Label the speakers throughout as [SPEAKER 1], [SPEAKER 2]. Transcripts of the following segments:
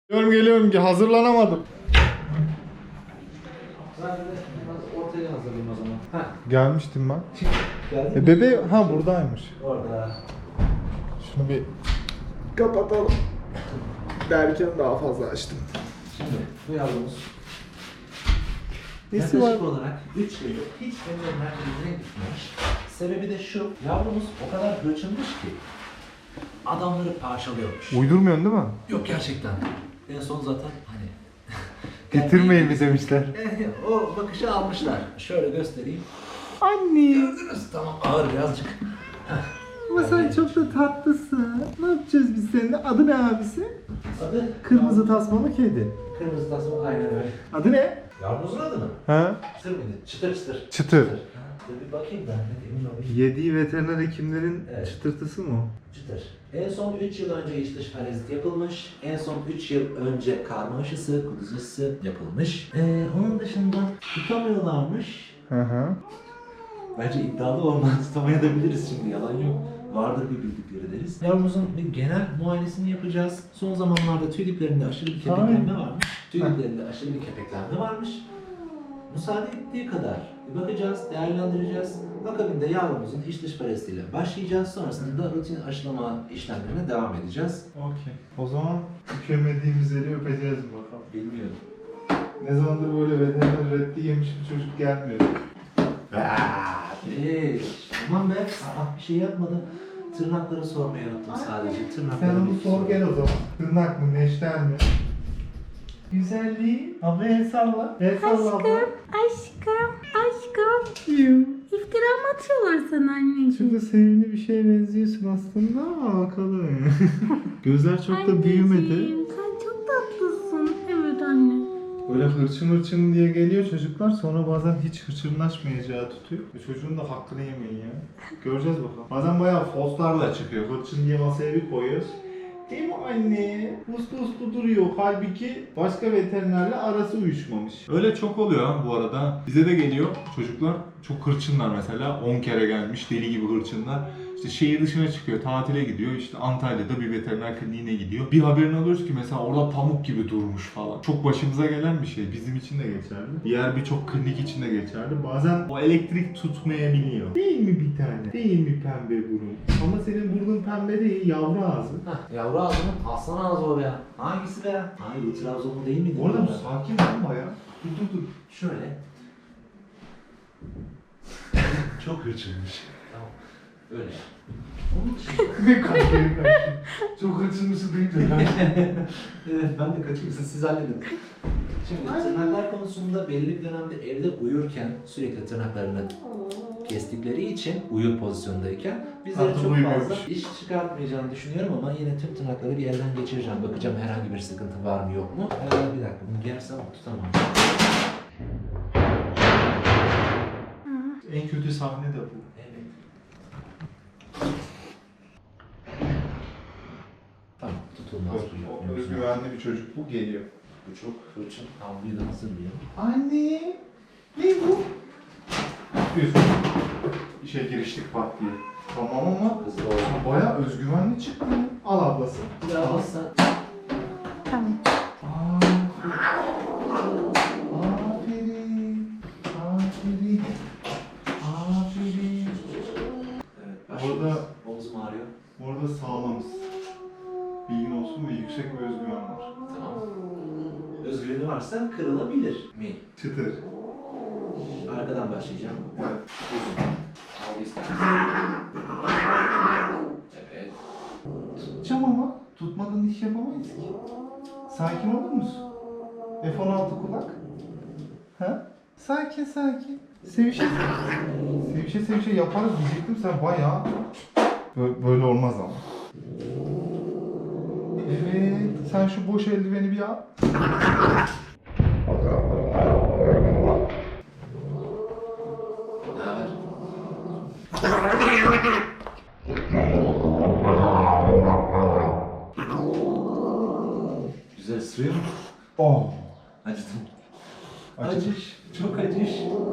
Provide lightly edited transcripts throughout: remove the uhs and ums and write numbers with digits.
[SPEAKER 1] Geliyorum ki hazırlanamadım.
[SPEAKER 2] Ben de biraz ortaya hazırlayayım o zaman.
[SPEAKER 1] Gelmiştim ben.
[SPEAKER 2] Geldin mi?
[SPEAKER 1] Bebeği buradaymış.
[SPEAKER 2] Orada.
[SPEAKER 1] Şunu bir kapatalım. Derken daha fazla açtım.
[SPEAKER 2] Şimdi bu yavrumuz
[SPEAKER 1] Nesi var?
[SPEAKER 2] yaklaşık olarak 3 yıldır hiç veteriner kliniğine gitmemiş. Sebebi de şu, yavrumuz o kadar hırçınmış ki adamları parçalıyormuş.
[SPEAKER 1] Uydurmuyorsun değil mi?
[SPEAKER 2] Yok gerçekten. En son zaten hani
[SPEAKER 1] Getirmeyin mi demişler.
[SPEAKER 2] o bakışı almışlar. Şöyle göstereyim.
[SPEAKER 1] Anne.
[SPEAKER 2] Gördünüz. Tamam ağır birazcık.
[SPEAKER 1] Ama sen çok da tatlısın. Ne yapacağız biz seninle? Adı ne abisi?
[SPEAKER 2] Adı
[SPEAKER 1] Kırmızı tasmalı kedi.
[SPEAKER 2] Kırmızı tasma aynen öyle.
[SPEAKER 1] Adı ne?
[SPEAKER 2] Yavrumuzun adı mı?
[SPEAKER 1] Ha?
[SPEAKER 2] Çıtır mıydı? Çıtır çıtır.
[SPEAKER 1] Çıtır.
[SPEAKER 2] Ha, dur bir bakayım ben de emin olayım.
[SPEAKER 1] Yediği veteriner hekimlerin
[SPEAKER 2] Evet.
[SPEAKER 1] çıtırtısı mı o?
[SPEAKER 2] Çıtır. En son 3 yıl önce iç dış parazit yapılmış. En son 3 yıl önce karma aşısı, kuduz aşısı yapılmış. Onun dışında tutamıyorlarmış.
[SPEAKER 1] Hı hı.
[SPEAKER 2] Bence iddialı olmadan tutamayabiliriz şimdi yalan yok. Vardır bir bildikleri deriz. Yavrumuzun bir genel muayenesini yapacağız. Son zamanlarda tüy diplerinde aşırı bir kepeklenme varmış. Tüy diplerinde aşırı bir kepeklenme varmış. Müsaade ettiği kadar bir bakacağız, değerlendireceğiz. Akabinde yavrumuzun iç dış parazitiyle başlayacağız. Sonrasında da rutin aşılama işlemlerine devam edeceğiz.
[SPEAKER 1] Okey. O zaman öpemediğimiz yeri öpeceğiz bakalım.
[SPEAKER 2] Bilmiyorum.
[SPEAKER 1] Ne zamandır böyle veteriner reddi yemiş bir çocuk gelmiyor.
[SPEAKER 2] Tamam be. Bir şey yapmadım. Tırnakları sormayı unuttum sadece.
[SPEAKER 1] Sen
[SPEAKER 2] Tırnakları
[SPEAKER 1] onu sor gel o zaman. Tırnak mı, neşter mi? Güzelliği. Abla el salla. El salla abla.
[SPEAKER 3] Aşkım. İftira mı atıyorlar sana anneciğim?
[SPEAKER 1] Şurada sevimli bir şeye benziyorsun aslında ama bakalım. Gözler çok da büyümedi.
[SPEAKER 3] Anneciğim, sen çok tatlısın. Evet anne.
[SPEAKER 1] Böyle hırçın hırçın diye geliyor çocuklar, sonra bazen hiç hırçınlaşmayacağı tutuyor. Çocuğun da hakkını yemeyin ya. Göreceğiz bakalım. Bazen bayağı foslarla çıkıyor. Hırçın diye masaya bir koyuyoruz. Değil mi anne? Uslu uslu duruyor. Halbuki başka veterinerle arası uyuşmamış. Öyle çok oluyor ha bu arada. Bize de geliyor çocuklar. Çok hırçınlar mesela. 10 kere gelmiş deli gibi hırçınlar. İşte şehir dışına çıkıyor, tatile gidiyor. İşte Antalya'da bir veteriner kliniğine gidiyor. Bir haberini alıyoruz ki mesela orada pamuk gibi durmuş falan. Çok başımıza gelen bir şey. Bizim için de geçerli. Diğer birçok klinik için de geçerli. Bazen o elektrik tutmayabiliyor. Değil mi bir tane? Değil mi pembe burun? Ama senin burnun pembe değil, yavru ağzı.
[SPEAKER 2] Hah, yavru ağzı mı? Aslan ağzı o be. Hangisi be? Hayır, bu Trabzonlu değil miydi?
[SPEAKER 1] Bu arada bu sakin olma ya. Dur.
[SPEAKER 2] Şöyle. Çok hırçınmış. Tamam. Öyle. Onun dışında...
[SPEAKER 1] Ne kaçıyor. Çok hırçınmışı duyunca
[SPEAKER 2] Evet, ben de kaçayım. Siz halledin. Şimdi tırnaklar konusunda belli bir dönemde evde uyurken sürekli tırnaklarını kestikleri için uyur pozisyondayken bizlere
[SPEAKER 1] Artık
[SPEAKER 2] çok
[SPEAKER 1] uyumuyormuş.
[SPEAKER 2] fazla iş çıkartmayacağını düşünüyorum ama yine tüm tırnakları bir yerden geçireceğim. Bakacağım herhangi bir sıkıntı var mı yok mu? Bir dakika bunu gersem tutamam.
[SPEAKER 1] en kötü sahne de bu.
[SPEAKER 2] Evet. Tamam tutulmaz bu.
[SPEAKER 1] O özgüvenli bir çocuk bu geliyor.
[SPEAKER 2] Bu çok hırçın. Havluyu da hazırlayalım.
[SPEAKER 1] Anne, ne bu? Yapıyorsun. İşe giriştik pat diye. Tamam ama
[SPEAKER 2] Hızlı olsun.
[SPEAKER 1] bayağı özgüvenli çıktı. Al ablası.
[SPEAKER 2] Biraz alsan.
[SPEAKER 3] Tamam.
[SPEAKER 1] Aferin.
[SPEAKER 2] Evet, başlıyoruz.
[SPEAKER 1] Orada-
[SPEAKER 2] Omzum ağrıyor.
[SPEAKER 1] Orada sağlamız. Bilgin olsun ve yüksek bir özgüven var.
[SPEAKER 2] Tamam. Özgürlüğü varsa kırılabilir mi?
[SPEAKER 1] Çıtır.
[SPEAKER 2] Arkadan başlayacağım.
[SPEAKER 1] Evet.
[SPEAKER 2] Al ister. Evet.
[SPEAKER 1] Tutacağım ama tutmadan iş yapamayız ki. Sakin olur musun? F-16 kulak. Ha? Sakin. Sevişe yaparız diyecektim, sen bayağı... Böyle olmaz ama. Evet, sen şu boş eldiveni bir al.
[SPEAKER 2] Ne haber? Güzel ısırıyor mu?
[SPEAKER 1] Oh.
[SPEAKER 2] Acıdım.
[SPEAKER 1] Acıdı.
[SPEAKER 2] Acış. Çok acış.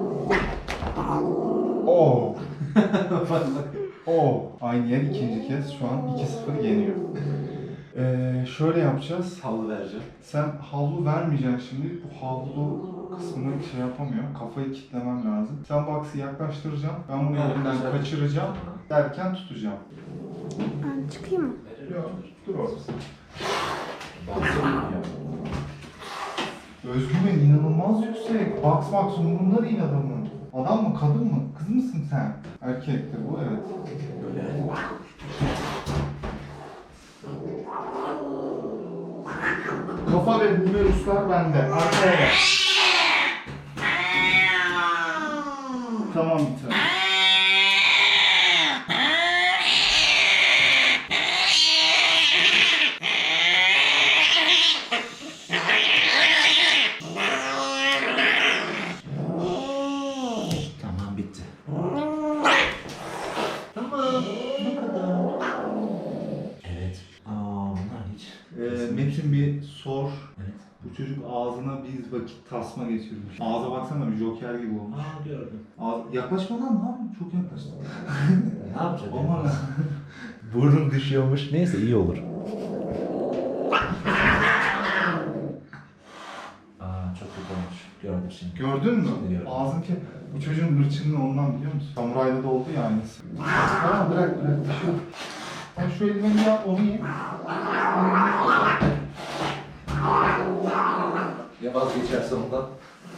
[SPEAKER 1] Oh.
[SPEAKER 2] Bak.
[SPEAKER 1] Oh. Aynı yer ikinci kez şu an 2-0 yeniyor. Şöyle yapacağız.
[SPEAKER 2] Havlu vereceğim.
[SPEAKER 1] Sen havlu vermeyeceksin şimdi. Bu havlu kısmını şey yapamıyor. Kafayı kilitlemem lazım. Sen box'ı yaklaştıracaksın. Ben bunu elinden kaçıracağım. Derken tutacağım.
[SPEAKER 3] Ben çıkayım mı?
[SPEAKER 1] Yok, dur orada.
[SPEAKER 2] Baksana.
[SPEAKER 1] Özgüven inanılmaz yüksek. Box umurunda değil adamın. Adam mı, kadın mı? Kız mısın sen? Erkektir bu, evet.
[SPEAKER 2] Böyle.
[SPEAKER 1] Kafa ve humeruslar bende. Arkaya gel. Tamam bir tane.
[SPEAKER 2] Tamam bitti. Tamam. Bu kadar. Evet. Bunlar hiç.
[SPEAKER 1] Metin bir sor.
[SPEAKER 2] Evet.
[SPEAKER 1] Bu çocuk ağzına bir vakit tasma geçirmiş. Ağza baksana bir joker gibi olmuş.
[SPEAKER 2] Gördüm.
[SPEAKER 1] Yaklaşma lan, ne yapıyorsun? Çok yaklaştın.
[SPEAKER 2] Ne yapacak?
[SPEAKER 1] Aman.
[SPEAKER 2] Burnum düşüyormuş. Neyse iyi olur. Çok kötü olmuş. Gördüm şimdi.
[SPEAKER 1] Gördün mü?
[SPEAKER 2] Şimdi gördüm.
[SPEAKER 1] Ağzın ki bu çocuğun hırçınlığı ondan, biliyor musun? Samurayda da oldu ya aynısı. Tamam, bırak bir şey yok. Sen şu elini yap, onu ye.
[SPEAKER 2] Ya vazgeçerse ondan?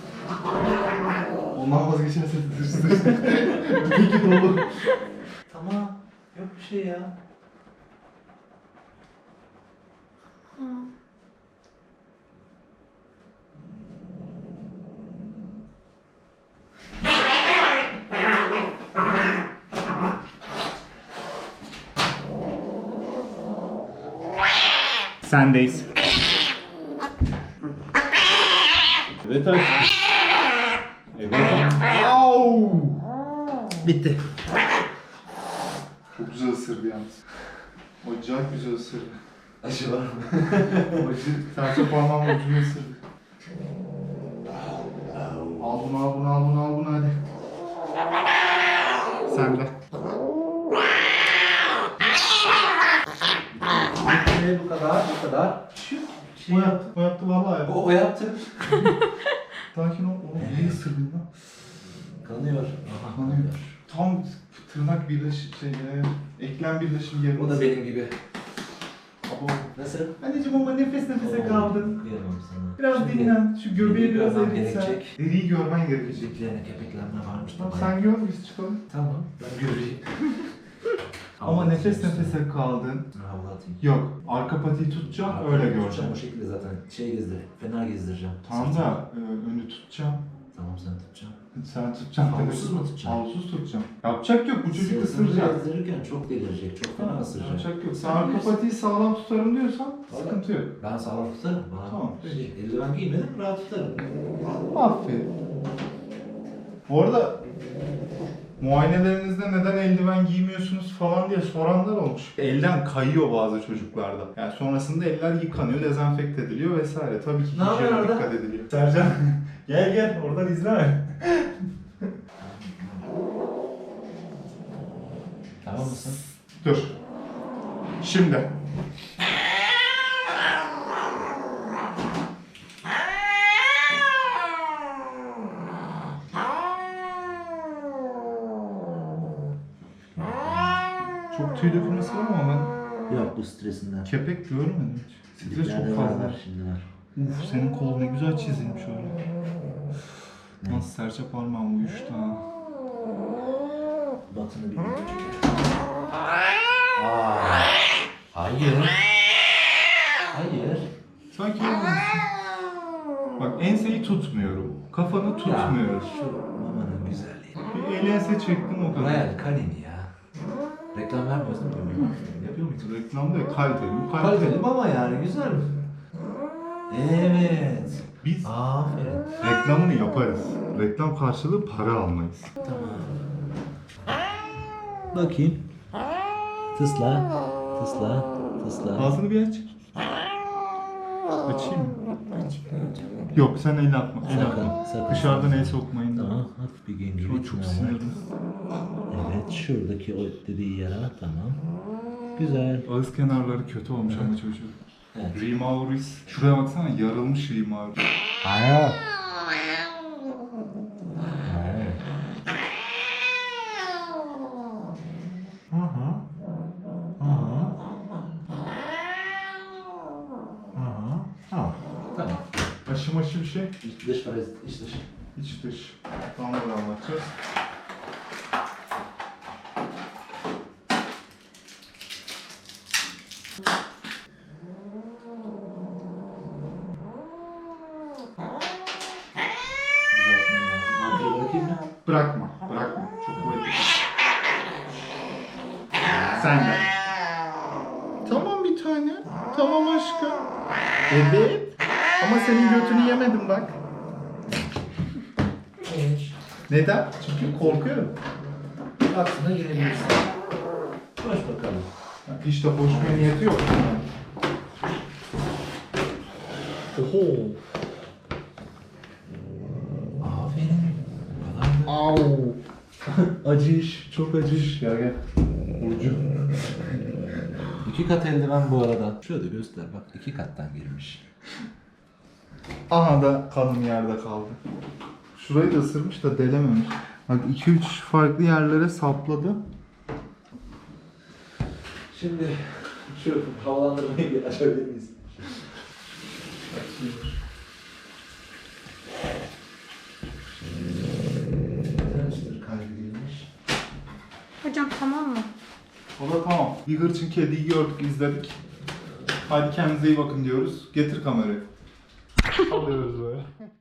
[SPEAKER 1] Ondan vazgeçerse tırsın. Peki dolu.
[SPEAKER 2] Tamam. Yok bir şey ya.
[SPEAKER 1] Sendeyiz. Evet aşkım. Evet. Au!
[SPEAKER 2] Bitti.
[SPEAKER 1] Çok güzel ısırdı yalnız. Acayip güzel ısırdı.
[SPEAKER 2] Acı var mı?
[SPEAKER 1] Acı, serçe parmağımla ucunu ısırdı. Al bunu, al bunu, al bunu, al bunu hadi. Sen de.
[SPEAKER 2] Bu kadar, bu kadar.
[SPEAKER 1] O yaptı, o yaptı vallahi yaptı.
[SPEAKER 2] O yaptı.
[SPEAKER 1] Sakin ol, oğlum iyi ısırdın lan.
[SPEAKER 2] Kanıyor.
[SPEAKER 1] Kanıyor. Tam tırnak birleşim eklem birleşim yerine.
[SPEAKER 2] O da benim gibi.
[SPEAKER 1] Abo.
[SPEAKER 2] Nasıl?
[SPEAKER 1] Anneciğim ama nefes nefese kaldın.
[SPEAKER 2] Kıyamam sana.
[SPEAKER 1] Biraz
[SPEAKER 2] Şimdi
[SPEAKER 1] dinlen, şu göbeği biraz
[SPEAKER 2] görmem
[SPEAKER 1] eritsen.
[SPEAKER 2] gerekecek.
[SPEAKER 1] Deriyi görmen gerekecek.
[SPEAKER 2] Diklerine kepeklenme varmış.
[SPEAKER 1] Tamam, sen gör, biz çıkalım.
[SPEAKER 2] Tamam. Ben göreyim.
[SPEAKER 1] Ama nefes nefese kaldın.
[SPEAKER 2] Havlu atayım.
[SPEAKER 1] Yok, arka patiyi tutacağım,
[SPEAKER 2] Arka
[SPEAKER 1] öyle
[SPEAKER 2] tutacağım,
[SPEAKER 1] göreceğim.
[SPEAKER 2] O şekilde zaten gezdir. Fener gezdireceğim.
[SPEAKER 1] Tamam
[SPEAKER 2] Sırtını.
[SPEAKER 1] da önü tutacağım.
[SPEAKER 2] Tamam sen tutacaksın.
[SPEAKER 1] Sen tutacaksın.
[SPEAKER 2] Havlusuz mu tutacaksın?
[SPEAKER 1] Havlusuz tutacağım. Yapacak yok, bu çocuk
[SPEAKER 2] Sırtını
[SPEAKER 1] ısıracak.
[SPEAKER 2] gezdirirken çok delirecek. Çok fena ısıracak.
[SPEAKER 1] Yapacak yok. Sen arka patiyi sağlam tutarım diyorsan sıkıntı yok.
[SPEAKER 2] Ben sağlam tutarım. Bana
[SPEAKER 1] Tamam,
[SPEAKER 2] eldiven giymedim, rahat tutarım.
[SPEAKER 1] Aferin. Bu arada muayenelerinizde neden eldiven giymiyorsunuz falan diye soranlar olmuş. Elden kayıyor bazı çocuklarda. Yani sonrasında eller yıkanıyor, dezenfekte ediliyor vesaire. Tabii ki
[SPEAKER 2] Ne yapıyorsun
[SPEAKER 1] hijyene
[SPEAKER 2] orada?
[SPEAKER 1] dikkat ediliyor. Sercan gel gel oradan izleme.
[SPEAKER 2] Tamam mısın?
[SPEAKER 1] Dur. Şimdi. Çok tüy dökülmesi var ama ben
[SPEAKER 2] Yok bu stresinden.
[SPEAKER 1] kepek görmedim hiç. Stres
[SPEAKER 2] Diklerde
[SPEAKER 1] çok
[SPEAKER 2] var,
[SPEAKER 1] fazla.
[SPEAKER 2] var, şimdi var.
[SPEAKER 1] Uf, senin kol ne güzel çizilmiş öyle.
[SPEAKER 2] Ne?
[SPEAKER 1] Nasıl serçe parmağım uyuştu ha.
[SPEAKER 2] Batını bir götürecek. Hayır. Hayır.
[SPEAKER 1] Sanki bak enseyi tutmuyorum. Kafanı tutmuyoruz.
[SPEAKER 2] Şu mamanın güzelliği.
[SPEAKER 1] Bir el ense çektim o kadar.
[SPEAKER 2] Royal Canin ya. Reklam vermiyoruz değil mi? Yapıyor muyuz?
[SPEAKER 1] Reklamda ya, kaliteli. Bu
[SPEAKER 2] Kaliteli
[SPEAKER 1] kaliteli.
[SPEAKER 2] mama yani güzel. Evet.
[SPEAKER 1] Biz
[SPEAKER 2] Aferin.
[SPEAKER 1] reklamını yaparız. Reklam karşılığı para almayız.
[SPEAKER 2] Tamam. Bakayım. Tısla. Tısla. Tısla.
[SPEAKER 1] Ağzını bir aç. Açayım mı? Yok sen el atma. El
[SPEAKER 2] Sakın,
[SPEAKER 1] atma.
[SPEAKER 2] sakın.
[SPEAKER 1] Dışarıdan el sokmayın.
[SPEAKER 2] Tamam. Hafif bir genci
[SPEAKER 1] Şu an çok sinirli.
[SPEAKER 2] Evet. Şuradaki o dediği yere tamam. Güzel.
[SPEAKER 1] Ağız kenarları kötü olmuş ama çocuğun.
[SPEAKER 2] Evet.
[SPEAKER 1] Rimauris. Şuraya baksana, yarılmış Rimauris.
[SPEAKER 2] Hayır. Aha. Aha. Aha. Tamam. Tamam.
[SPEAKER 1] Aşı bir şey.
[SPEAKER 2] İç dış parazit, iç dış.
[SPEAKER 1] İç dış. Tam da anlatacağız.
[SPEAKER 2] Düzeltmem lazım. Arkaya bırakayım mı?
[SPEAKER 1] Bırakma. Çok kuvvetli. Sen de. Tamam bir tane. Tamam aşkım. Evet. Ama senin götünü yemedim bak. Neden? Çünkü korkuyorum.
[SPEAKER 2] Aklına girebilirsin. Koş bakalım.
[SPEAKER 1] Hiç de koşmaya niyeti yok.
[SPEAKER 2] Oho. Aferin. Bu kadar da.
[SPEAKER 1] Au. Acı iş. Çok acı iş. Gel. Burcu.
[SPEAKER 2] 2 kat eldiven bu arada. Şöyle göster bak 2 kattan girmiş.
[SPEAKER 1] Aha da kanım yerde kaldı. Şurayı da ısırmış da delememiş. Bak 2-3 farklı yerlere sapladı.
[SPEAKER 2] Şimdi şu havalandırmayı bir açabilir miyiz? Transfer kaydedilmiş.
[SPEAKER 3] Hocam tamam mı?
[SPEAKER 1] O da tamam. Bir hırçın kediyi gördük, izledik. Hadi kendinize iyi bakın diyoruz. Getir kamerayı. Alıyoruz böyle.